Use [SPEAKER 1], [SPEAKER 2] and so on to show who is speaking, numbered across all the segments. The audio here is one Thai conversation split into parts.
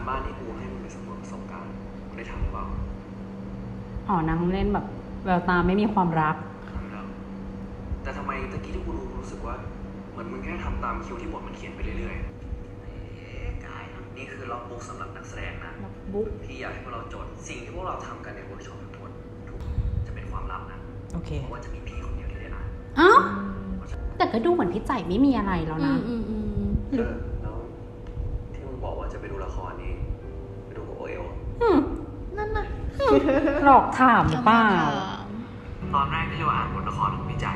[SPEAKER 1] บ้านที่กูให้มึงไปสำรวจประสบการณ์ได้ทำหรือเปล่า
[SPEAKER 2] อ๋อนางเล่นแบบแววตาไม่มีความรัก
[SPEAKER 1] ทำแล้วแต่ทำไมตะกี้ที่กูรู้สึกว่าเหมือนมึงแค่ทำตามคิวที่บทมันเขียนไปเรื่อยๆกายนี่คือล็อกบุ๊กสำหรับนักแสดงนะ
[SPEAKER 2] ล็อกบุ๊ก
[SPEAKER 1] พี่อยากให้พวกเราจดสิ่งที่พวกเราทำกันในเวิร์กช็อปทั้งหมดทุกจะเป็นความลับนะ
[SPEAKER 2] โอเค
[SPEAKER 1] เพราะว่าจะมีพี่คนเดียวที่ได้อ่าน
[SPEAKER 2] อ้าวแต่ก็ดูเหมือนพี่ใจไม่มีอะไรแล้วนะ
[SPEAKER 1] แล้วที่มึงบอกว่าจะไปดูละครนี้ไปดูกับโอเอล
[SPEAKER 3] นั่นน่ะ
[SPEAKER 2] หลอกถามหรือเปล่า
[SPEAKER 1] ตอนแรกที่เราอ่านบทละครของพี่ใจ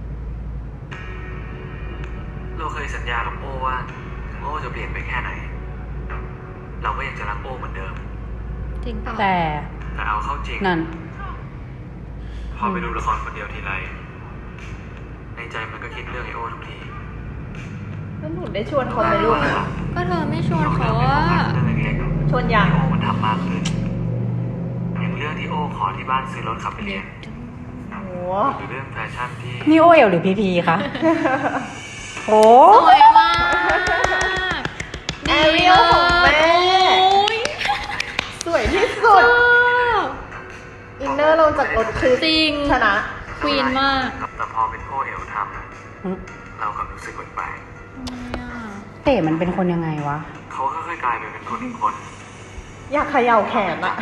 [SPEAKER 1] เราเคยสัญญากับโอ้ว่าถึงโอ้จะเปลี่ยนไปแค่ไหนเราก็ยังจะรักโอ้เหมือนเดิม
[SPEAKER 3] จริงป่ะ
[SPEAKER 2] แต่
[SPEAKER 1] เอาเข้าจริง
[SPEAKER 2] นั่น
[SPEAKER 1] พอไปดูละครคนเดียวทีไรในใจมันก็คิดเรื่องไอโอ้ทุกที
[SPEAKER 4] แล้วหนูได้ชวนเขาไหมลูก
[SPEAKER 3] ก็เธอไม่ชวนเขาอะ
[SPEAKER 4] ชวนอย่าง
[SPEAKER 1] โอ้มันทำมากขึ้นอย่างเรื่องที่โอ้ขอที่บ้านซื้อรถขับไปเรียนหรือเรื่องแฟชั่นที่
[SPEAKER 2] นี่โอเอลหรือพีพีคะโอ้
[SPEAKER 3] สวยมาก
[SPEAKER 4] แอเรียลของแม่สวยที่สุดอินเนอร์ลงจากรถคือ
[SPEAKER 3] จริง
[SPEAKER 4] ชนะ
[SPEAKER 3] ควีนมาก
[SPEAKER 1] แต่พอเป็นโอเอลทำเรากับรู้สึกแปลก
[SPEAKER 2] เต้มันเป็นคนยังไงวะ
[SPEAKER 1] เขาค่อยๆกลายไปเป็นคนอีกคน
[SPEAKER 4] อยากเขย่าแขนอะ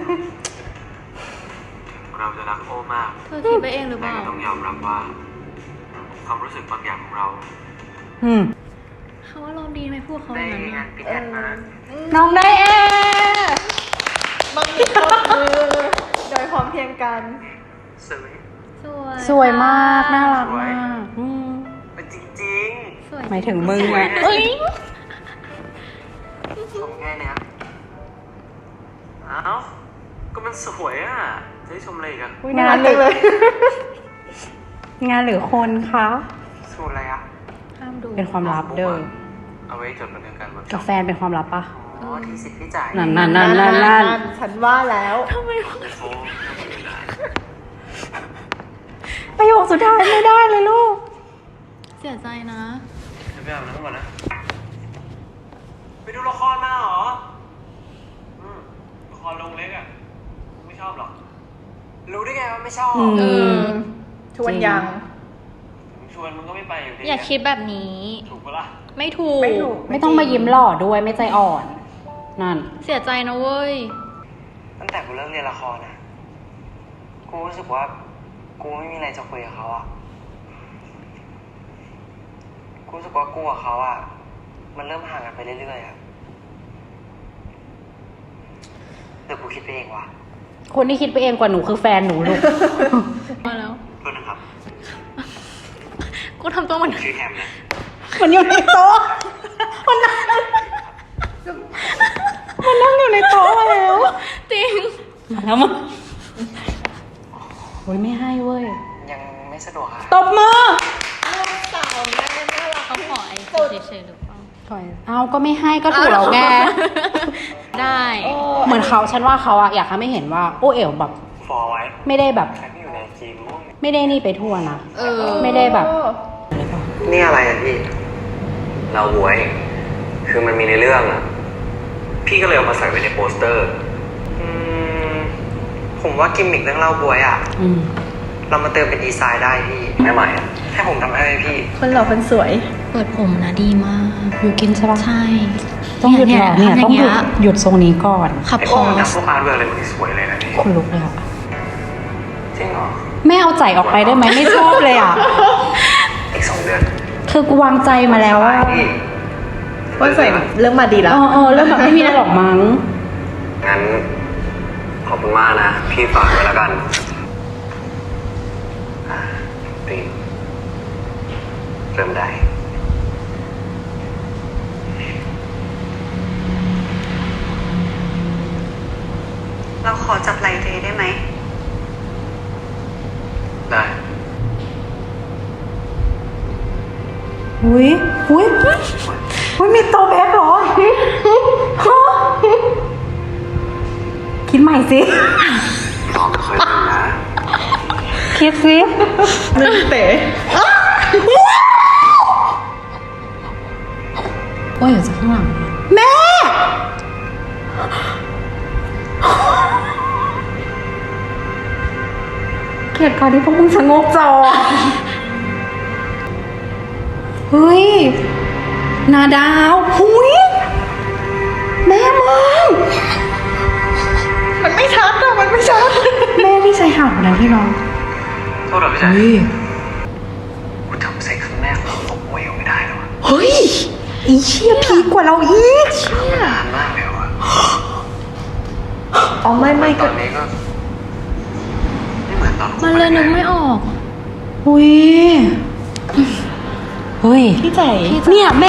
[SPEAKER 1] เราจะรักโอ้มาก
[SPEAKER 3] เธอคิดไปเองหรือเปล่า
[SPEAKER 1] แต่ก็ต้องยอมรับว่าความรู้สึกบางอย่างของเรา
[SPEAKER 3] เขาว่าเราดีไหมพูดเขาอย่างนั้น
[SPEAKER 2] น้องได้
[SPEAKER 4] บางทีก็มือโดยพร้อมเพียงกัน
[SPEAKER 2] สวยมากน่ารักมาก
[SPEAKER 1] เป็นจริง
[SPEAKER 3] ๆ
[SPEAKER 2] หมายถึงมึงอะ
[SPEAKER 1] ชมแค่เนี้ยอ้าวก็มันสวยอ่ะจะให้ชมอะไรกัน
[SPEAKER 2] งานเลยงานหรือคนคะ
[SPEAKER 1] สูตรอะไรอ่ะ
[SPEAKER 3] ห้ามดู
[SPEAKER 2] เป็นความลับเด้อ
[SPEAKER 1] เอาไว้จดบันทึกการ
[SPEAKER 2] กาแฟเป็นความลับปะ
[SPEAKER 1] อ๋อที่สิทธิ์พี่จ่าย
[SPEAKER 2] นั่น
[SPEAKER 4] ฉันว่าแล้ว
[SPEAKER 3] ทำไม
[SPEAKER 2] ประโยคสุดท้ายไม่ได้เลยลูก
[SPEAKER 3] เสียใจนะ
[SPEAKER 1] จะไปอาบน้ำก่อนนะไปดูละครมาเหรอละครลงเล็กอ่ะไม่ชอบหรอกรู้ได้ไงว่าไม่ชอบ
[SPEAKER 4] ชวนยัง
[SPEAKER 1] ชวนมึงก็ไม่ไปอยู่ดี
[SPEAKER 3] อย่าคิดแบบนี้
[SPEAKER 1] ถูกปะล่ะ
[SPEAKER 3] ไม่ถูก
[SPEAKER 2] ไม่ต้องมายิ้มหล่อด้วยไม่ใจอ่อนนั่น
[SPEAKER 3] เสียใจนะเว้ย
[SPEAKER 1] ตั้งแต่กูเริ่มเรียนละครนะกูรู้สึกว่ากูไม่มีอะไรจะคุยกับเขาอ่ะกูรู้สึกว่ากูกับเขาอ่ะมันเริ่มห่างกันไปเรื่อยๆอ่ะเดี๋ยวกูคิดไปเองว่ะ
[SPEAKER 2] คนที่คิดไปเองกว่าหนูคือแฟนหนูลูก
[SPEAKER 3] มาแล้ว
[SPEAKER 1] โทษนะครับ
[SPEAKER 3] กูทำตัวเหมือน
[SPEAKER 1] ชื่อแฮมนะ
[SPEAKER 2] มันอยู่ในโต๊ะมันนั่งอยู่ในโต๊ะมาแล้ว
[SPEAKER 3] จริง
[SPEAKER 2] มาแล้วมั้งโอ้ยไม่ให้เว้ย
[SPEAKER 1] ยังไม่สะดวกค่ะ
[SPEAKER 2] ตบมือ
[SPEAKER 4] สาวแม่น่ารัก
[SPEAKER 3] เขาขอไอ้เฉยๆหรือเปล่า
[SPEAKER 2] เอาก็ไม่ให้ก็ถูกแล้วแก
[SPEAKER 3] ได้
[SPEAKER 2] เหมือนเขาฉันว่าเขาอะอยากให้ไม่เห็นว่าโอเอ๋วแบบ
[SPEAKER 1] ฟอไว้
[SPEAKER 2] ไม่ได้แบบไม่ได้นี่ไปทั่วนะไม่ได้แบบ
[SPEAKER 1] นี่อะไรอ่ะพี่เราบวยคือมันมีในเรื่องอ่ะพี่ก็เลยเอามาใส่ไว้ในโปสเตอร์ผมว่ากิมมิคเรื่องเล่าบวยอ่ะเรามาเติมเป็นดีไซน์ได้พี่ไม่ใหม่อ่ะแค่ผมทำให้พี่
[SPEAKER 4] คนหล่อคนสวย
[SPEAKER 3] เปิดผมนะดีมาก
[SPEAKER 2] อยู่กินใช่ปะ
[SPEAKER 3] ใช่
[SPEAKER 2] ต้องหยุดเนี่ยต้องหยุดทรงนี้ก่อน
[SPEAKER 3] ขับพอ
[SPEAKER 1] สพวกอาร์ตเวิร์กอะไรมันสวยเลยนะพี่
[SPEAKER 2] คนลุกเลยอ่ะ
[SPEAKER 1] จริงเหรอ
[SPEAKER 2] ไม่เอาใจออกไปได้ไหมไม่ชอบเลยอ่ะ
[SPEAKER 1] อีก2 เดือน
[SPEAKER 2] คือกูวางใจมาแล้วว่า
[SPEAKER 4] ใส่เรื่องมาดีแล้ว
[SPEAKER 2] เรื่องแบบไม่มีอะไรหรอกมั้ง
[SPEAKER 1] งั้นขอบคุณมากนะพี่ฝากไว้แล้วกันตีเริ่มได้
[SPEAKER 5] เราขอจับไหล่เธอได้ไหม
[SPEAKER 1] ได้
[SPEAKER 2] อุ้ยมีโตแบ็คเหรอคิดใหม่สิ
[SPEAKER 1] น้องไม่ค่อยเล่นนะ
[SPEAKER 2] คิดสิ
[SPEAKER 4] นึกเต๋
[SPEAKER 2] ว่าอยู่จากข้างหลังแม่ลียดการที่พวกมึงชะโงกจอ เฮ้ย นาดาวหุยแม่มึง
[SPEAKER 4] มันไม่ชัดอะมันไม่ชัด
[SPEAKER 2] แม่พี่ชายห่างนะที่น้อง
[SPEAKER 1] โทษเหรอพี่ชาย
[SPEAKER 2] เฮ้ย
[SPEAKER 1] กูจำเซ็กครั้งแรกของตกเวลไม่ได้แล้วอะ
[SPEAKER 2] เฮ้ยอีเชี่ยพีกว่าเราอีกเชี่ย
[SPEAKER 1] นานมากแล้วอะ
[SPEAKER 4] อ๋อไม่
[SPEAKER 1] ต
[SPEAKER 4] ก็
[SPEAKER 1] อนนี้ก็ไม่เหมือนตอน
[SPEAKER 3] มันเลยนึกไม่ออก
[SPEAKER 2] หุยเฮ้ย
[SPEAKER 4] พี่ใจ
[SPEAKER 2] เนี่ยแม่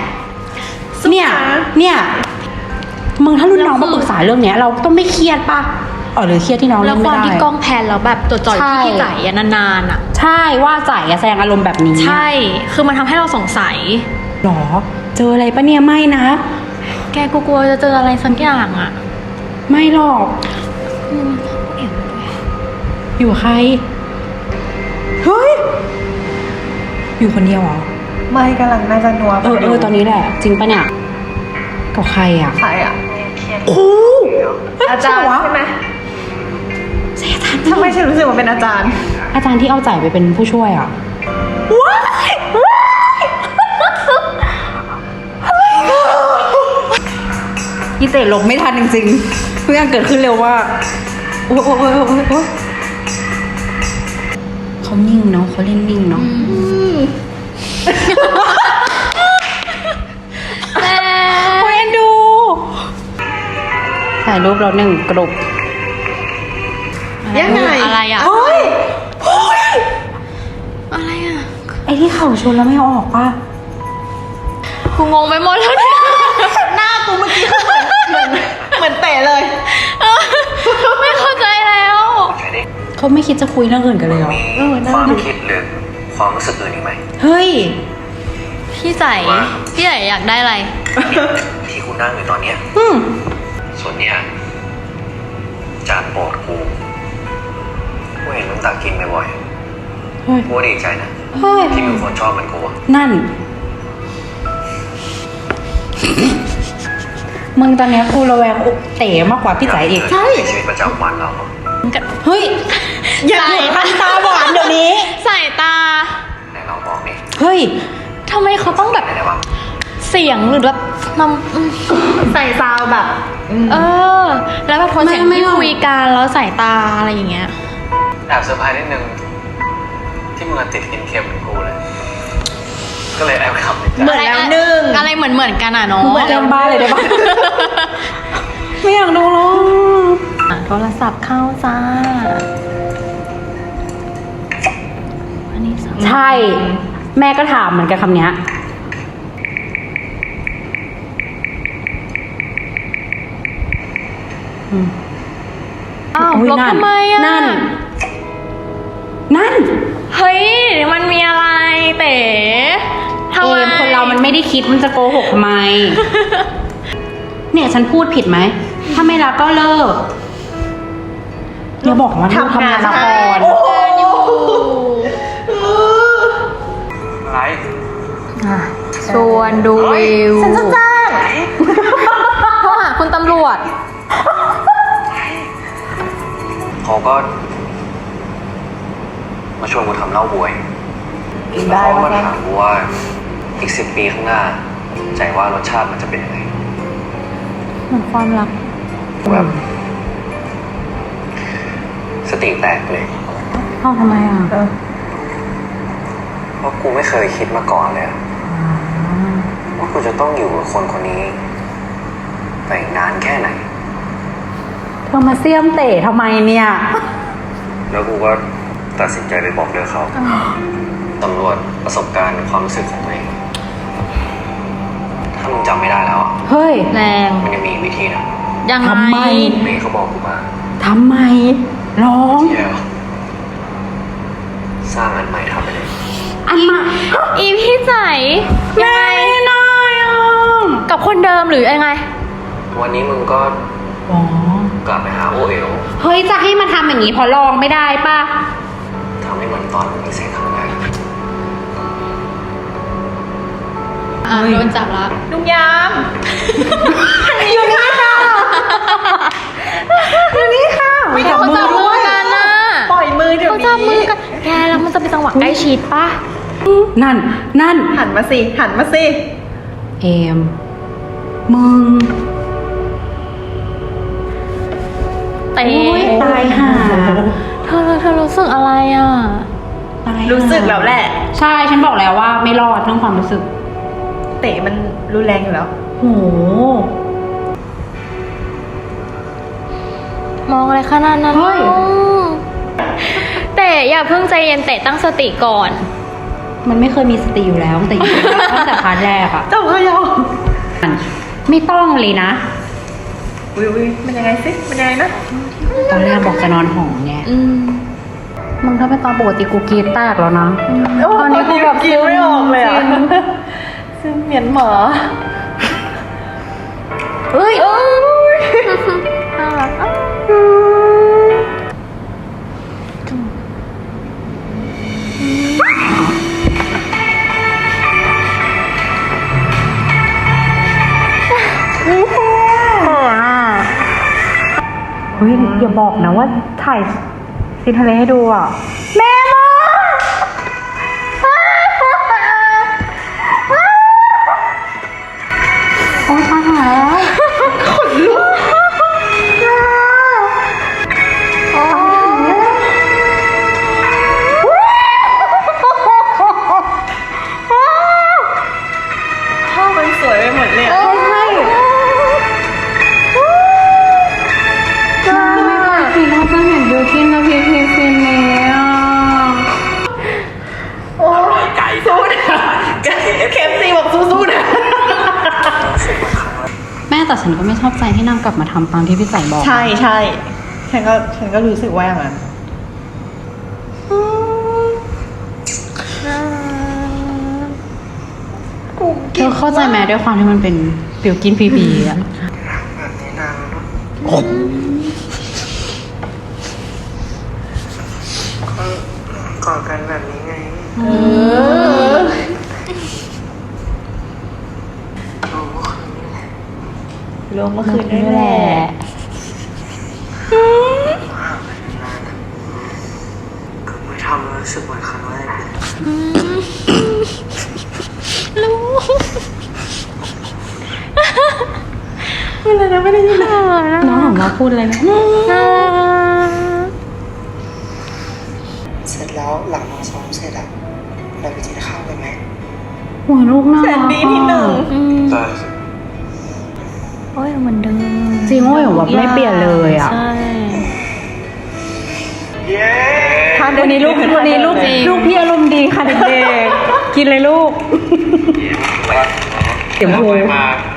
[SPEAKER 2] เนี่ย มึงถ้ารุ่นน้องมาปรึกษาเรื่องเนี้ย เราต้องไม่เครียดป่ะอ๋อหรือเครียดที่น้อง
[SPEAKER 3] แล้
[SPEAKER 2] เล่
[SPEAKER 3] วน ค
[SPEAKER 2] ไม่
[SPEAKER 3] วาม
[SPEAKER 2] ได้
[SPEAKER 3] ที่กล้องแพนแล้วแบบตัวจ่อย
[SPEAKER 2] ใช่
[SPEAKER 3] ที่ไหลอะนานๆอะ
[SPEAKER 2] ใช่ว่าใจอะแสดงอารมณ์แบบนี้
[SPEAKER 3] ใช่ คือมันทำให้เราสงสัย
[SPEAKER 2] หรอ เจออะไรปะเนี่ยไม่นะ
[SPEAKER 3] แกกูกลัวจะเจออะไรสักอย่างอะ
[SPEAKER 2] ไม่หรอก
[SPEAKER 3] อืมเอ็มด้วย
[SPEAKER 2] อยู่กับใคร เฮ้ย อยู่คนเดียวเหรอ
[SPEAKER 4] ไม่กำลังน่าจะนัว
[SPEAKER 2] ตอนนี้แหละ จริงปะเนี่ย กับใครอ่ะ
[SPEAKER 4] ใครอะ
[SPEAKER 2] โอ้
[SPEAKER 4] อาจารย์ใช่ไหม
[SPEAKER 2] ใช่อาจารย์
[SPEAKER 4] ทำไมฉันรู้สึกว่าเป็นอาจารย์
[SPEAKER 2] อาจารย์ที่เอาจ่ายไปเป็นผู้ช่วยอ่ะ ว้ายอีเตะหลบไม่ทันจริงๆทุกอย่างเกิดขึ้นเร็วมากโอ้เขานิ่งเนาะเขาเล่นนิ่งเนาะ
[SPEAKER 3] แม่
[SPEAKER 2] เอ็นดู ถ่ายรูปเราหนึ่งกลุ่ม
[SPEAKER 4] ยังไง
[SPEAKER 3] อะไรอะ
[SPEAKER 2] เฮ้ย
[SPEAKER 3] อะไรอะ
[SPEAKER 2] ไอ้ที่เข่าชนแล้วไม่เอาออกป่ะ
[SPEAKER 3] กูงงไปหมดแล้วเนี่ย
[SPEAKER 4] หน้ากูเมื่อกี้คือเหมือนเตะเลย
[SPEAKER 3] ไม่เข้าใจแล้ว
[SPEAKER 2] เขาไม่คิดจะคุยเรื่องอื่นกันเลยเหรอ
[SPEAKER 1] มีความคิดหรือความรู้สึกอื่นอีกไหม
[SPEAKER 2] เฮ้ย
[SPEAKER 3] พี่ใจอยากได้อะไร
[SPEAKER 1] ที่กูนั่งอยู่ตอนเนี้ย
[SPEAKER 2] อืม
[SPEAKER 1] ส่วนเนี้ยจานโปรดกูเห็นมึงตักกินบ่อย
[SPEAKER 2] เฮ้ย
[SPEAKER 1] ๆกูก็ดีใจนะ
[SPEAKER 2] เฮ้ย
[SPEAKER 1] ที่มีคนชอบเหมือนกูอะ
[SPEAKER 2] นั่น มึงตอนเนี้ยกูระแวงเต๋มากกว่าพี่จ๋าอีก
[SPEAKER 1] ใช่ชีวิตประจำวันเราอะ
[SPEAKER 2] เฮ้ย อย่าทำตาหวานเดี๋ยวนี้
[SPEAKER 3] สายตา
[SPEAKER 1] ไหนเราบอกนี่
[SPEAKER 2] เฮ้ย
[SPEAKER 3] ทำไมเขาต้องแบบ
[SPEAKER 1] ไหนได้บ้าง
[SPEAKER 3] เสียงหรือแบบนำ
[SPEAKER 4] ใส่ซาวแบบ
[SPEAKER 3] แล้วแบบโทนเสียง
[SPEAKER 2] ไม่
[SPEAKER 3] ที่
[SPEAKER 2] หรอก
[SPEAKER 3] คุยกันแล้วสายตาอะไรอย่างเงี้ย
[SPEAKER 1] แอบเซอร์ไพรส์นิดนึงที่มึงติดกินเค็มเหมือนกูเลย ก็เลยแอบขำในใจ
[SPEAKER 4] เหมือนแล้วหนึ่ง
[SPEAKER 3] อะไรเหมือนกันอ่ะเนาะ
[SPEAKER 2] เหมือนเล่นบ้าเลยได้ปะ ไม่อยากดูหรอก
[SPEAKER 3] โทรศัพท์เข้าจ้าอันนี้สำ
[SPEAKER 2] ใช่ แม่ก็ถามเหมือนกันคำเนี้ยอืม
[SPEAKER 3] อ้าว
[SPEAKER 2] อุ๊ย
[SPEAKER 3] ลบทำไมอ่ะ
[SPEAKER 2] นั่น
[SPEAKER 3] เฮ้ยมันมีอะไรเต๋ทำ
[SPEAKER 2] เอ
[SPEAKER 3] ไม
[SPEAKER 2] มคนเรามันไม่ได้คิดมันจะโกหกทำไม เนี่ยฉันพูดผิดไหม ถ้าไม่รักก็เลิกอย่าบอกว่าลูกทำงานละคร
[SPEAKER 1] อะไร
[SPEAKER 3] ชวนดูวิว
[SPEAKER 4] ฉันจะจ้าง
[SPEAKER 3] โทรหาคุณตำรวจ
[SPEAKER 1] เขาก็ มาชวนกูทำเหล้าบวย
[SPEAKER 4] ได้
[SPEAKER 1] เขา
[SPEAKER 4] ปะ
[SPEAKER 1] ก็ถามกูว่าอีก10 ปีข้างหน้า ใจว่ารสชาติมันจะเป็นยังไง
[SPEAKER 3] เหมือนความรัก
[SPEAKER 1] แบบสติแตกเลย
[SPEAKER 2] เอ้าทำไมอ่ะ
[SPEAKER 1] เพราะกูไม่เคยคิดมาก่อนเลยอะว่ากูจะต้องอยู่กับคนคนนี้ไปอีกนานแค่ไหน
[SPEAKER 2] เธอมาเสี่ยมเตะทำไมเนี่ย
[SPEAKER 1] แล้วกูก็ตัดสินใจไปบอกเลิกเขาตำรวจประสบการณ์ความรู้สึกของตัวเองถ้ามึงจำไม่ได้แล้วอะ
[SPEAKER 2] เฮ้ย
[SPEAKER 3] แรง
[SPEAKER 1] มันยังมีอีกวิธีนะ
[SPEAKER 3] ยังไง
[SPEAKER 2] ทำไม
[SPEAKER 1] เมย์เขาบอกกูมา
[SPEAKER 2] ทำไม ร้อง
[SPEAKER 1] เดี๋ยวสร้างอันใหม่ทำไปเลย
[SPEAKER 2] อันมา
[SPEAKER 3] อีพี่ใจยังไง
[SPEAKER 2] ไม่ได้อ่ะ
[SPEAKER 3] กับคนเดิมหรือยังไง
[SPEAKER 1] วันนี้มึงก็
[SPEAKER 2] อ๋อ
[SPEAKER 1] กลับไปหาโอเอ๋ว
[SPEAKER 2] เฮ้ย จะให้มันทำอย่างนี้พอลองไม่ได้ป่ะ
[SPEAKER 1] ทำให้เหมือนตอนมึงมีเซ็กครั้งแรก
[SPEAKER 3] โดนจับแล้ว
[SPEAKER 4] ลุงยาม
[SPEAKER 2] อยู่นี่ค่ะ อยู่นี่ค่ะ
[SPEAKER 3] เขาจับมือกันน่ะ
[SPEAKER 4] ปล่อยมืออเดี๋ยว
[SPEAKER 3] เขา
[SPEAKER 4] นี้
[SPEAKER 3] จับมือกันแกแล้วมันจะเป็นจังหวะใกล้ชิดปะ
[SPEAKER 2] นั่น
[SPEAKER 4] หันมาสิหันมาสิ
[SPEAKER 2] เอม มึง
[SPEAKER 3] เตะ
[SPEAKER 2] โอ๊ยตายห่า
[SPEAKER 3] เธอรู้สึกอะไรอ่ะ
[SPEAKER 2] ตายห่า
[SPEAKER 4] รู้สึกแล้วแหละ
[SPEAKER 2] ใช่ ฉันบอกแล้วว่าไม่รอดเรื่องความรู้สึก
[SPEAKER 4] เตะมันรุนแรงอยู่แล้ว
[SPEAKER 2] โห
[SPEAKER 3] มองอะไรขนาดนั้น
[SPEAKER 2] เฮ้ย
[SPEAKER 3] แต่อย่าเพิ่งใจเย็นเตะตั้งสติก่อน
[SPEAKER 2] มันไม่เคยมีสติอยู่แล้วตั้งแต่พาร์ทแรกอะ
[SPEAKER 4] เจ้าพยอ
[SPEAKER 2] ไม่ต้องเลยนะ
[SPEAKER 4] อุ้ยมันยังไงสิมันยังไงนะ
[SPEAKER 2] ตอนแรกบอกจะนอนหอไง
[SPEAKER 3] อืม
[SPEAKER 2] มึงถ้าเป็นตอนปกติกูกรีดแตกแล้วนะ ตอนนี้กูแบบ
[SPEAKER 4] กินไม่ออกเลยอ่ะ
[SPEAKER 2] ซึม
[SPEAKER 4] ซึ่งเหมียนหมา
[SPEAKER 2] เอ้ย
[SPEAKER 3] น่ารักอ่ะ
[SPEAKER 2] เฮ้ยอย่าบอกนะว่าถ่ายซีนทะเลให้ดูอ่ะ แม่มาโอ้ยตายแล้ว
[SPEAKER 4] ภาพมันสวยไปหมดเลยอะ
[SPEAKER 2] พี่เราจะเห็นบิวกินกับพีพีซีนนี้อ่ะ
[SPEAKER 4] โอ้ยไก่สู้นะเคฟซีบอกสู้ๆนะ
[SPEAKER 2] แม่แต่ฉันก็ไม่ชอบใจที่นางกลับมาทำตามที่พี่ใส่บอก
[SPEAKER 4] ใช่ฉันก็รู้สึกว่าอย่างนั้น
[SPEAKER 2] เธอเข้าใจไหมด้วยความที่มันเป็นบิวกินพีพีอ่ะ
[SPEAKER 1] แบบนี้นานแล้วเนอะก็กอดกันแบบนี้ไง
[SPEAKER 4] เออ
[SPEAKER 1] รู้ว่าคืนนี้แหละ
[SPEAKER 4] ลงเมื่อคืนนี่แหละ
[SPEAKER 1] ห่างกันนานอะก็ไม่ทำแล้วรู้สึกเหมือนครั้งแรกเลย
[SPEAKER 3] รู้
[SPEAKER 4] อะไรนะไม่ได้ยินเลย
[SPEAKER 2] น้องถามว่าพูดอะไรนะ
[SPEAKER 1] เสร็จแล้วหลังเราซ้อมเสร็จอะเราไปกินข้าวกันไหม
[SPEAKER 2] หัวลูกน่า
[SPEAKER 4] แส
[SPEAKER 2] รั
[SPEAKER 4] น
[SPEAKER 2] ก
[SPEAKER 4] ดีที่หนึ่ง
[SPEAKER 1] ได้สิ
[SPEAKER 3] โอ้ยเหมือนเดิม
[SPEAKER 2] จริงโอ้ยแบบไม่เปลี่ยนเลยอ่ะ
[SPEAKER 3] ใช่
[SPEAKER 1] เย้
[SPEAKER 2] วันนี้ลูกพี่อารมณ์ดีค่ะเด็กๆ กินเลยลูก เดี๋ยวพู
[SPEAKER 1] มา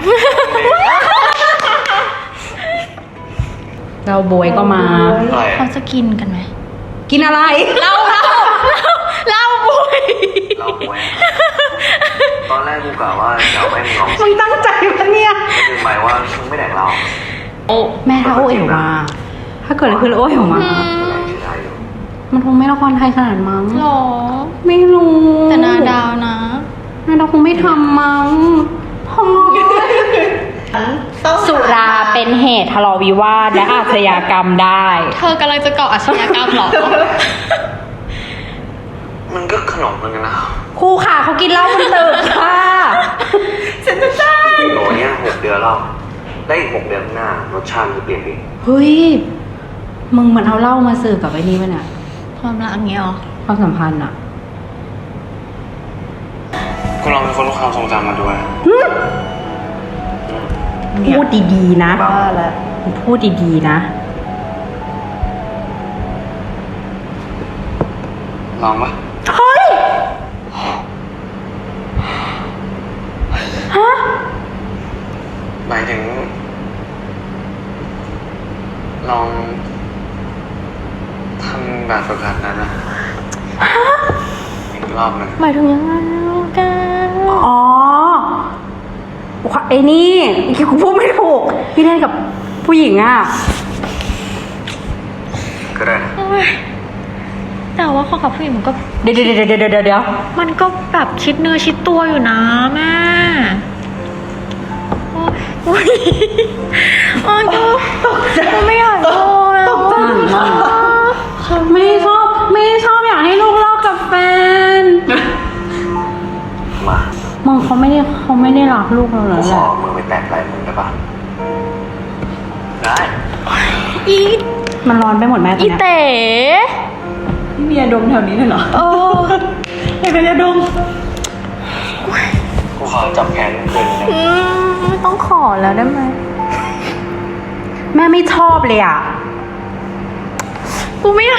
[SPEAKER 2] เราโบยก็มา
[SPEAKER 1] อะไร
[SPEAKER 3] เขาจะกินกันไหม
[SPEAKER 2] กินอะไร
[SPEAKER 3] เล่าบุย
[SPEAKER 1] เราแหวตอนแรกกูกะว่าจะเอาให้มึงลอง
[SPEAKER 2] มึงตั้งใจปะเนี่ย
[SPEAKER 1] คือหมายว่ามึงไม่แดกเรา
[SPEAKER 2] แม่ถ้าโอเอ๋วมา ถ้าเกิดอะไรขึ้นแล้วโอเอ๋วมา
[SPEAKER 1] อะไรที่ได้อยู่
[SPEAKER 2] มันคงไม่ละครไทยขนาดมั้ง
[SPEAKER 3] หรอ
[SPEAKER 2] ไม่รู้
[SPEAKER 3] แต่นาดาวนะ
[SPEAKER 2] นาดาวคงไม่ทำมั้งพอสุราเป็นเหตุทะเลาะวิวาทและอาชญากรรมได้
[SPEAKER 3] เธอกำลังจะก่ออาชญากรรมเหรอ
[SPEAKER 1] มันก็ขนมเหมือนกันนะ
[SPEAKER 2] ครูค่ะเขากินเหล้าบนตึกค่ะ
[SPEAKER 4] ฉันจะได้
[SPEAKER 1] โหเนี้ย6 เดือนแล้วได้อีก6 เดือนข้างหน้ารสชาติมันจะเปลี่ยนไป
[SPEAKER 2] เฮ้ย มึงมันเอาเหล้ามาสื่อกับไอ้นี่ป่ะเนี่ย
[SPEAKER 3] ความรักอย่างเงี้ยเหรอ
[SPEAKER 2] ความสัมพันธ์อะ
[SPEAKER 1] ก็ลองเป็นคนรู้ความทรงจำมาด้วย
[SPEAKER 2] พูดดีๆนะ
[SPEAKER 4] บ้าแล้ว
[SPEAKER 2] พูดดีๆนะ
[SPEAKER 1] ลองปะ
[SPEAKER 2] เฮ้ย ฮะ
[SPEAKER 1] หมายถึง ลองทำแบบฝึกหัดนั้นนะอีกรอบหนึง
[SPEAKER 3] หมายถึงยังไงกัน
[SPEAKER 2] อ๋อ ไอ้นี่กูพูดไม่ถูก พี่เล่นกับผู้หญิงอะ
[SPEAKER 1] ก็ได้นะ
[SPEAKER 3] แต่ว่าข้อกับผู้หญิงมันก็
[SPEAKER 2] เดี๋ยว
[SPEAKER 3] มันก็แบบชิดเนื้อชิดตัวอยู่นะแม่โอ้ยโอ้ยกูไม่อยากโดนแล้วอะ
[SPEAKER 2] ไม่ชอบ
[SPEAKER 1] มา
[SPEAKER 2] มึงเขาไม่ได้รักลูกเราเล
[SPEAKER 1] กู
[SPEAKER 2] ย
[SPEAKER 1] ข
[SPEAKER 2] แห
[SPEAKER 1] อ
[SPEAKER 2] ละ
[SPEAKER 1] มือไปแตะไหล่มึงได้ปะได้
[SPEAKER 3] อี
[SPEAKER 2] มันร้อนไปหมดแม่ตอน
[SPEAKER 3] อี
[SPEAKER 2] เนี้ย
[SPEAKER 3] เต๋
[SPEAKER 4] พี่มียาดมแถวนี้เลยเหรอ
[SPEAKER 3] เออ
[SPEAKER 4] ให้เป็นยาดม
[SPEAKER 1] กูขอจับแขนมึงคืนนึง
[SPEAKER 3] ไม่ต้องขอแล้วได้ไหม
[SPEAKER 2] แม่ไม่ชอบเลยอ่ะ
[SPEAKER 3] กูไม่อยาก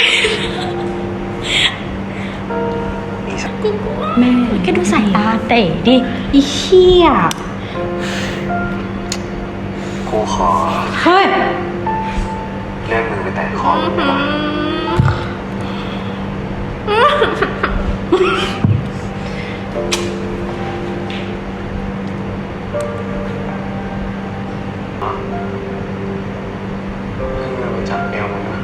[SPEAKER 1] นี่สัก
[SPEAKER 2] แม่
[SPEAKER 3] แค่ดูสายตาเต๋ดิ
[SPEAKER 2] อีเหี้ย
[SPEAKER 1] กูขอ
[SPEAKER 2] เฮ้ย
[SPEAKER 1] เลื่อนมือไปแตะคอมึงได้ปะเลื่อนมือไปจับเอวมึงนะ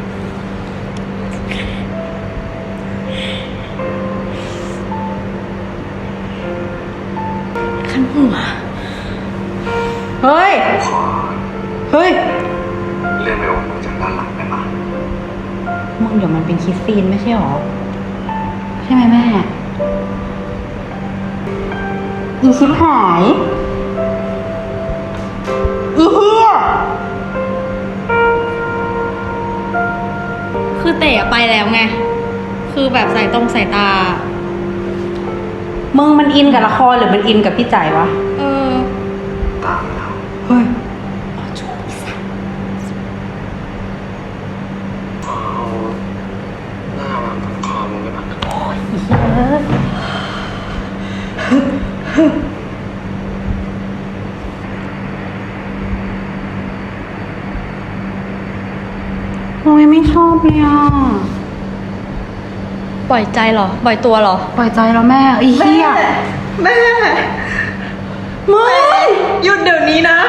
[SPEAKER 3] ขันหัว
[SPEAKER 2] เฮ้ย
[SPEAKER 1] กูขอ
[SPEAKER 2] เฮ้ย
[SPEAKER 1] เลื่อนไปโอบมึงจากด้านหลังได้ปะ
[SPEAKER 2] มึงเดี๋ยวมันเป็นคิสซีนไม่ใช่หรอ ใช่ไหมแม่ อีชิบหาย อีเหี้ย
[SPEAKER 3] คือเต๋ไปแล้วไง คือแบบสายตรงสายตา
[SPEAKER 2] มึงมันอินกับละครหรือมันอินกับพี่จ๋ายวะ
[SPEAKER 3] เออ
[SPEAKER 1] ตามแล้ว
[SPEAKER 2] เฮ้ย
[SPEAKER 1] ขอเอาหน้าวางบนคอมึงได้ปะ
[SPEAKER 2] โอ้ยไม่ชอบเลยอ่ะ
[SPEAKER 3] ปล่อยใจเหรอ ปล่อยตัวเหรอ
[SPEAKER 2] ปล่อยใจแล้วแม่อีเหี้ย
[SPEAKER 4] แม่มึงหยุดเดี๋ยวนี้นะ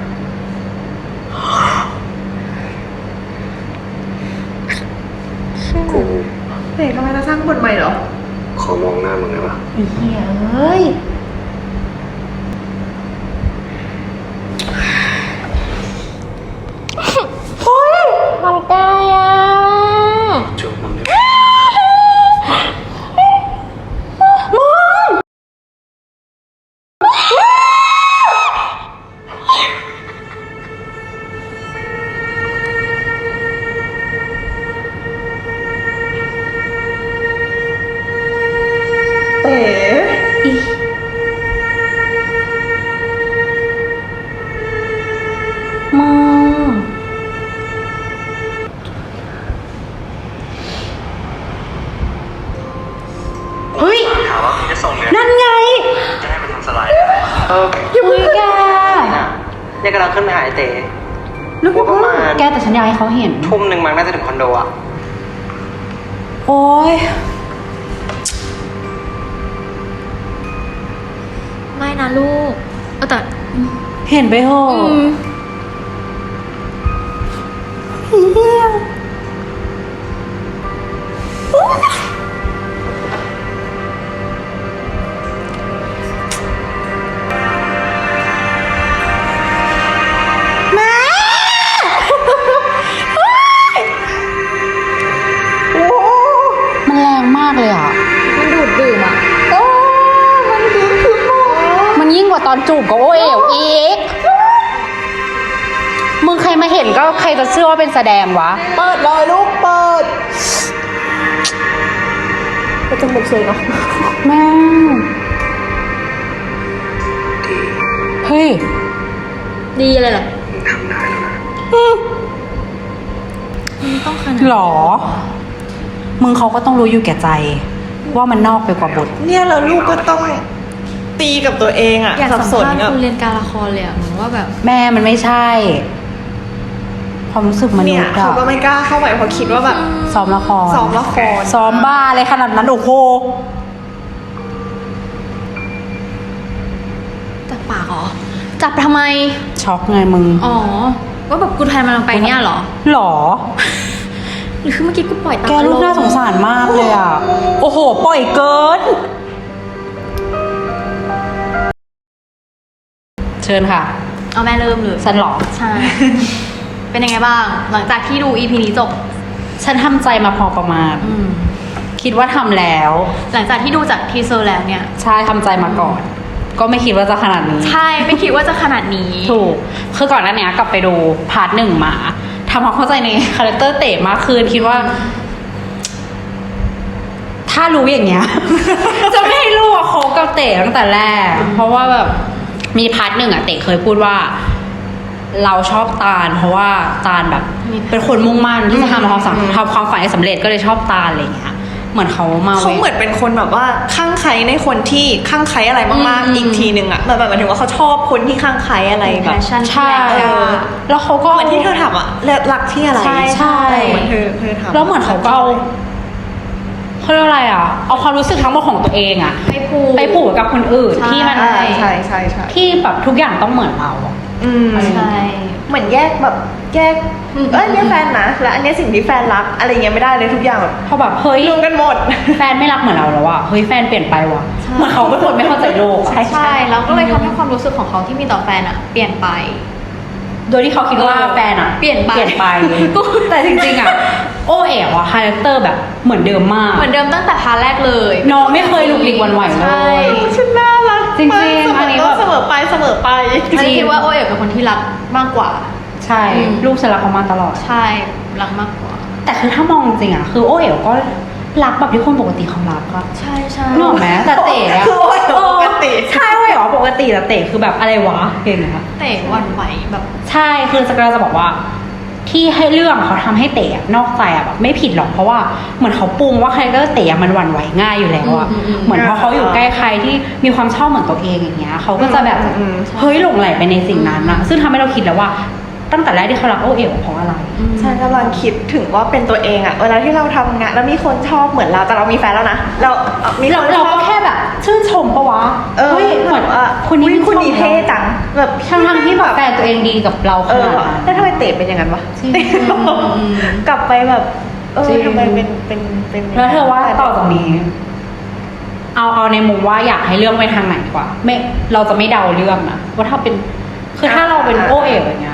[SPEAKER 1] กู
[SPEAKER 4] เต๋กำลังจะสร้างบทใหม่เหรอ
[SPEAKER 1] ขอมองหน้ามึงได้ปะ
[SPEAKER 2] อีเหี้ยเอ้ย
[SPEAKER 3] มันใกล้อ่ะ
[SPEAKER 1] จูบมึงได้ปะ
[SPEAKER 4] เต๋
[SPEAKER 2] มึง เฮ้ย
[SPEAKER 1] ถามว่ามึงจะส่งเรียน
[SPEAKER 2] นั่นไง
[SPEAKER 1] จะให้มันทำสไลด์อะไร
[SPEAKER 2] อย่าเพิ่งแก
[SPEAKER 6] เนี่ยกำลังขึ้นไปหาไอ้เต๋
[SPEAKER 2] แล้ว
[SPEAKER 6] ว่าประมาณ
[SPEAKER 2] แกแต่ฉันอยากให้เขาเห็น
[SPEAKER 6] ทุ่มหนึ่งมันน่าจะถึงคอนโดอ่ะ
[SPEAKER 2] โอ้ย
[SPEAKER 3] ไม่นะลูกแต่
[SPEAKER 2] เห็นไปเหอะ
[SPEAKER 3] อืม
[SPEAKER 2] อีเหี้ยแม่ มันแรงมากเลยอ่ะ
[SPEAKER 3] มันดูดดื่มอ่ะ
[SPEAKER 2] มันยิ่งกว่าตอนจูบกับโอเอ๋วอีก มึงใครมาเห็นก็ใครจะเชื่อว่าเป็นแสดงวะ
[SPEAKER 4] เปิดเลยลูกเปิดก็จมูกสวยเนาะ
[SPEAKER 2] แม่
[SPEAKER 1] ดี
[SPEAKER 2] เฮ้ย
[SPEAKER 3] ดีเลยเหรอ
[SPEAKER 1] มึงทำได้แล้วนะ
[SPEAKER 3] มันต้องขนาด
[SPEAKER 2] หรอ มึงเขาก็ต้องรู้อยู่แก่ใจ ว่ามันนอกไปกว่าบท
[SPEAKER 4] เนี่ยแล้วลูกก็ต้องตีกับตัวเองอ่ะ
[SPEAKER 3] อยากสัม
[SPEAKER 4] สน
[SPEAKER 3] ภาษณ์
[SPEAKER 4] กับ
[SPEAKER 3] คุณเรียนการละครเลยอ่ะเหมือนว่าแบบ
[SPEAKER 2] แม่มันไม่ใช่ ความรู้สึกมนุ
[SPEAKER 4] เนี่
[SPEAKER 2] ษ
[SPEAKER 4] ย
[SPEAKER 2] ย์
[SPEAKER 4] เขา
[SPEAKER 2] อะ
[SPEAKER 4] ก็ไม่กล้าเข้าไปเพราะคิดว่าแบบ
[SPEAKER 2] ซ้อมละคร
[SPEAKER 4] ซ้อมละคร
[SPEAKER 2] ซ้อมบ้าอะไรขนาดนั้นโอ้โห
[SPEAKER 3] จับปากเหรอ จับทำไม
[SPEAKER 2] ช็อกไงมึง
[SPEAKER 3] อ๋อ ว่าแบบกูแทนมันลงไปเนี่ยเหรอ
[SPEAKER 2] หรอ
[SPEAKER 3] หรือคือเมื่อกี้กูปล่อยตาม
[SPEAKER 2] แกลูกน่าสงสารมากเลยอ่ะ โอ้โห ปล่อยเกิน เชิญค่ะ
[SPEAKER 3] เอาแม่เริ่มเลย
[SPEAKER 2] ฉันเหรอ
[SPEAKER 3] ใช่ เป็นยังไงบ้าง หลังจากที่ดู EP นี้จบ
[SPEAKER 2] ฉันทำใจมาพอประมาณ
[SPEAKER 3] อืม
[SPEAKER 2] คิดว่าทำแล้ว
[SPEAKER 3] หลังจากที่ดูจากทีเซอร์แล้วเนี่ย
[SPEAKER 2] ใช่ทำใจมาก่อน ก็ไม่คิดว่าจะขนาดนี้
[SPEAKER 3] ใช่ไม่คิดว่าจะขนาดนี้
[SPEAKER 2] ถูก คือก่อนหน้านี้กลับไปดูพาร์ทหนึ่งมาทำความเข้าใจในคาแรคเตอร์เต๋มากขึ้นคิดว่า ถ้ารู้อย่างเงี้ย จะไม่ให้ลูกคบกับเต๋ตั้งแต่แรก เพราะว่าแบบมีพาร์ทหนึ่งอะเต๋เคยพูดว่า เราชอบตาล เพราะว่าตาลแบบเป็นคนมุ่งมั่นที่จะทำความฝันให้สำเร็จก็เลยชอบตาลอะไรอย่างเงี้ย เหมือนเขามา
[SPEAKER 4] เขาเหมือนเป็นคนแบบว่าข้างใครในคนที่ข้างใครอะไรมากๆอีกทีหนึ่งอะแบบหมายถึงว่าเขาชอบคนที่ข้างใครอะไรแบบ
[SPEAKER 3] passion
[SPEAKER 2] ใช่
[SPEAKER 3] แรงกล้า
[SPEAKER 2] แล้วเขาก็
[SPEAKER 4] เหมือนที่เธอถามอะรักที่อะไร
[SPEAKER 2] ใช่
[SPEAKER 4] เหมือนเธอถาม
[SPEAKER 2] แล้วเหมือนเขาก็เอาเขาเรียกอะไรอ่ะ เอาความรู้สึกทั้งหมดของตัวเองอ่ะ ไปผูกกับคนอื่น
[SPEAKER 3] ใช่
[SPEAKER 2] ที่มัน
[SPEAKER 4] ใช่ใช่
[SPEAKER 2] ที่แบบทุกอย่างต้องเหมือนเราอะ
[SPEAKER 3] ใช่
[SPEAKER 4] เหมือนแยกเนี่ยแฟนนะแล้วอันเนี้ยสิ่งที่แฟนรักอะไรเงี้ยไม่ได้เลยทุกอย่างแบบ
[SPEAKER 2] พอแบบเฮ้ย
[SPEAKER 4] รวมกันหมด
[SPEAKER 2] แฟนไม่รักเหมือนเราแล้วอะเฮ้ยแฟนเปลี่ยนไปว่ะเหมือนเขาเป็นคนไม่เข้าใจโลกอะ
[SPEAKER 3] ใช่แล้วก็เลยทำให้ความรู้สึกของเขาที่มีต่อแฟนอะเปลี่ยนไป
[SPEAKER 2] โดยที่เขาคิดว่าแฟนอะ
[SPEAKER 3] เปลี่ยนไป
[SPEAKER 2] แต่จริงๆอะโอเอ๋วอะคาแรคเตอร์แบบเหมือนเดิมมาก
[SPEAKER 3] เหมือนเดิมตั้งแต่พาร์ทแรกเลย
[SPEAKER 2] น้องไม่เคยหลุกหลีกหวั่นไหวเล
[SPEAKER 3] ใช่
[SPEAKER 2] ย
[SPEAKER 4] ฉันน่ารัก
[SPEAKER 2] จริงๆอันนี้แบบ
[SPEAKER 4] เสมอไป
[SPEAKER 3] ฉันคิดว่าโอเอ๋เป็นคนที่รักมากกว่า
[SPEAKER 2] ใช่ ลูกฉันรักเขามาตลอด
[SPEAKER 3] ใช่รักมากกว่า
[SPEAKER 2] แต่คือถ้ามองจริงอะคือโอเอ๋วก็รักแบบที่คนปกติเขารักอะ
[SPEAKER 3] ใช่ใช่
[SPEAKER 2] นึกออกไหมแต่เต๋อะ
[SPEAKER 4] คือโอเอ๋วปกติ
[SPEAKER 2] ใช่โอเอ๋วปกติแต่เต๋คือแบบอะไรวะเก่งอะ
[SPEAKER 3] เตะหวันไหวแบบ
[SPEAKER 2] ใช่คือสกาจะบอกว่า ที่ให้เรื่องเขาทำให้เต๋อะนอกใจอะแบบไม่ผิดหรอกเพราะว่าเหมือนเขาปรุงว่าคาแรคเตอร์เต๋อะมันหวั่นไหวง่ายอยู่แล้วอะเหมือนพอเขาอยู่ใกล้ใครที่มีความชอบเหมือนตัวเองอย่างเงี้ยเขาก็จะแบบเฮ้ยหลงไหลไปในสิ่งนั้นนะซึ่งทำให้เราคิดแล้วว่าตั้งแต่แรกที่เขารักโอเอ๋วเพราะอะไร
[SPEAKER 4] ฉันกำลังคิดถึงว่าเป็นตัวเองอะเวลาที่เราทำงานแล้วมีคนชอบเหมือนเราแต่เรามีแฟนแล้วนะเรามีคนช
[SPEAKER 2] เรา
[SPEAKER 4] อบ
[SPEAKER 2] ก็แค่แบบชื่นชมปะวะเฮ้ยเหมือนคนนี้
[SPEAKER 4] คุณดีเท่จังแบบ
[SPEAKER 2] ทั้งที่แบบแฟนตัวเองดีกับเราขนาดนั้น
[SPEAKER 4] แล้วทำไมเตะเป็นอย่างนั้นวะ
[SPEAKER 2] จริง
[SPEAKER 4] กลับไปแบบ
[SPEAKER 2] จริง
[SPEAKER 4] ทำไมเป็น
[SPEAKER 2] แล้วเธอว่าต่อจากนี้ เอาในมุมว่าอยากให้เรื่องไปทางไหนดีกว่าไม่เราจะไม่เดาเรื่องนะว่าถ้าเป็นคือถ้าเราเป็นโอเอ๋วอย่างเงี้ย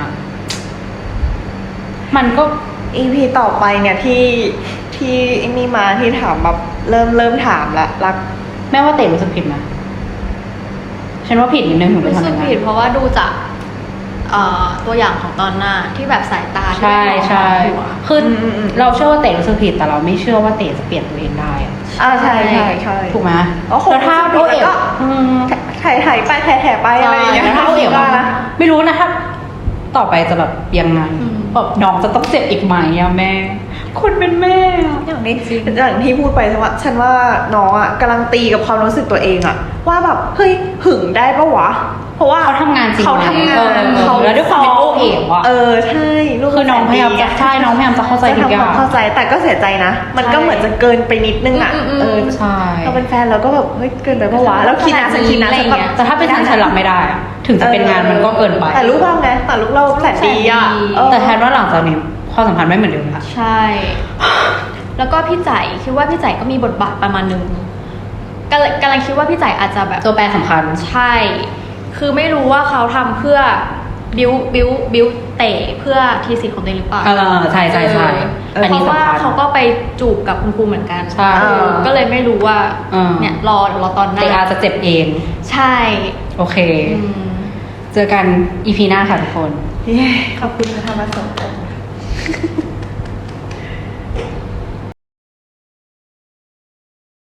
[SPEAKER 2] มันก็
[SPEAKER 4] EP ต่อไปเนี่ยที่ไอ้นี่มาที่ถามแบบเริ่มถามละรัก
[SPEAKER 2] แม่ว่าเต๋รู้สึกผิดนะฉันว่าผิดนิดนึงถึงไป
[SPEAKER 3] รู้
[SPEAKER 2] ทำอ
[SPEAKER 3] สึก
[SPEAKER 2] ย่างนั้
[SPEAKER 3] ผิด
[SPEAKER 2] น
[SPEAKER 3] เพราะว่าดูจากตัวอย่างของตอนหน้าที่แบบสายตาที่
[SPEAKER 2] ใช่
[SPEAKER 3] ไม่มอง
[SPEAKER 2] ใช่
[SPEAKER 3] หัว
[SPEAKER 2] คือเราเชื่อว่าเต๋รู้สึกผิดแต่เราไม่เชื่อว่าเต๋จะเปลี่ยนตัวเองได้อะ
[SPEAKER 4] ใช่
[SPEAKER 2] ถูกไหม
[SPEAKER 4] อ๋อคง
[SPEAKER 2] แล้วถ้าโอเอ๋ว
[SPEAKER 4] ก็ ถ่ายไปแถไปอะไรอย่างเงี้ย
[SPEAKER 2] แล้วถ้าโอเอ๋วไม่รู้นะถ้าต่อไปจะแบบยังไงแบบน้องจะต้องเจ็บอีกไหมอะแม่คุณเป็นแม่อะ
[SPEAKER 4] อย่างที่พูดไปฉันว่าน้องอ่ะกำลังตีกับความรู้สึกตัวเองอ่ะว่าแบบเฮ้ยหึงได้ปะวะเพราะว่า
[SPEAKER 2] เขาทำงานจริง
[SPEAKER 4] เขาทำงาน
[SPEAKER 2] แล้วด้วยความเป็นโอเอ๋วอะ
[SPEAKER 4] ใช่ลูก
[SPEAKER 2] คือน้องพยายามจะใช่น้องพยายามจะเข้าใจทุกอย่าง
[SPEAKER 4] จะทำความเข้าใจแต่ก็เสียใจนะ มันก็เหมือนจะเกินไปนิดนึงอ่ะ
[SPEAKER 2] ใช่
[SPEAKER 4] เราเป็นแฟนเราก็แบบเฮ้ยเกินไปปะวะแล้วคิดนะฉันคิดนะฉันแบบ
[SPEAKER 2] แต่ถ้าเป็นฉันรับไม่ได้อะถึงจะเป็นงานมันก็เกินไป
[SPEAKER 4] แต่ลูกเราไงแต่ลูกเราแสนดีอ่ะ
[SPEAKER 2] แต่แทนว่าหลังจากนี้ความสัมพันธ์ไม่เหมือนเดิมละ
[SPEAKER 3] ใช่ แล้วก็พี่จ่ายคิดว่าพี่จ่ายก็มีบทบาทประมาณนึงกำลังคิดว่าพี่จ่ายอาจจะแบบ
[SPEAKER 2] ตัวแปรสำคัญ
[SPEAKER 3] ใช่ คือไม่รู้ว่าเขาทำเพื่อบิวเตะเพื่อทีสิทธิ์ของตัวเองหรือเปล่า
[SPEAKER 2] ใช่ใช่ใช่
[SPEAKER 3] เพ
[SPEAKER 2] อันนี้
[SPEAKER 3] ราะว่า
[SPEAKER 2] สำคัญ
[SPEAKER 3] เขาก็ไปจูบกับคุณครูเหมือนกัน
[SPEAKER 2] ใช่
[SPEAKER 3] ก็เลยไม่รู้ว่า เนี่ยรอตอนหน้า
[SPEAKER 2] เตอาจะเจ็บเอง
[SPEAKER 3] ใช่
[SPEAKER 2] โอเค
[SPEAKER 3] อืม
[SPEAKER 2] เจอกันอีพีหน้าค่ะทุกคน
[SPEAKER 4] ขอบคุณที่ทำมาส่ง